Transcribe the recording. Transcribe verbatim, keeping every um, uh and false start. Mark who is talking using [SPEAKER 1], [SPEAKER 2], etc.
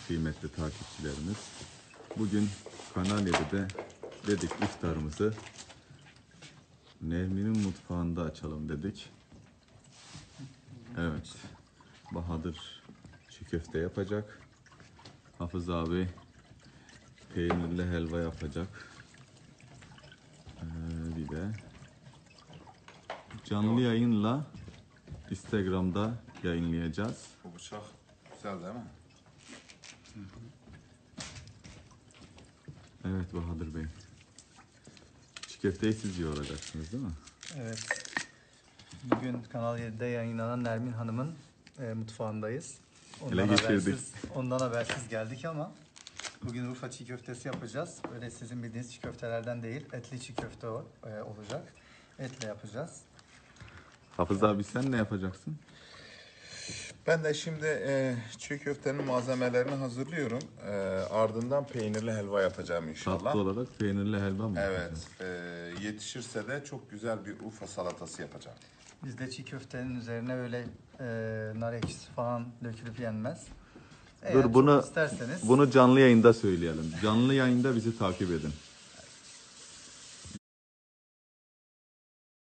[SPEAKER 1] kıymetli takipçilerimiz. Bugün Kanal yedide dedik iftarımızı Nermin'in mutfağında açalım dedik. Evet, Bahadır çiğ köfte yapacak. Hafız abi peynirli helva yapacak. Ee, bir de canlı yayınla Instagram'da yayınlayacağız.
[SPEAKER 2] Bu bıçak güzel değil mi?
[SPEAKER 1] Evet Bahadır Bey. Çiğ köfteyi siz yoğuracaksınız değil mi?
[SPEAKER 3] Evet. Bugün Kanal yedide yayınlanan Nermin Hanım'ın e, mutfağındayız.
[SPEAKER 1] Ele geçirdik.
[SPEAKER 3] habersiz, ondan habersiz geldik ama bugün Urfa çiğ köftesi yapacağız. Öyle sizin bildiğiniz çiğ köftelerden değil, etli çiğ köfte o, e, olacak. Etle yapacağız.
[SPEAKER 1] Hafız abi sen ne yapacaksın?
[SPEAKER 2] Ben de şimdi e, çiğ köftenin malzemelerini hazırlıyorum. E, ardından peynirli helva yapacağım inşallah.
[SPEAKER 1] Tatlı olarak peynirli helva mı
[SPEAKER 2] Evet.
[SPEAKER 1] yapacaksın?
[SPEAKER 2] E, yetişirse de çok güzel bir Urfa salatası yapacağım.
[SPEAKER 3] Bizde çiğ köftenin üzerine öyle e, nar ekşisi falan dökülüp yenmez. Eğer
[SPEAKER 1] Dur
[SPEAKER 3] çok
[SPEAKER 1] bunu
[SPEAKER 3] isterseniz
[SPEAKER 1] bunu canlı yayında söyleyelim. Canlı yayında bizi takip edin.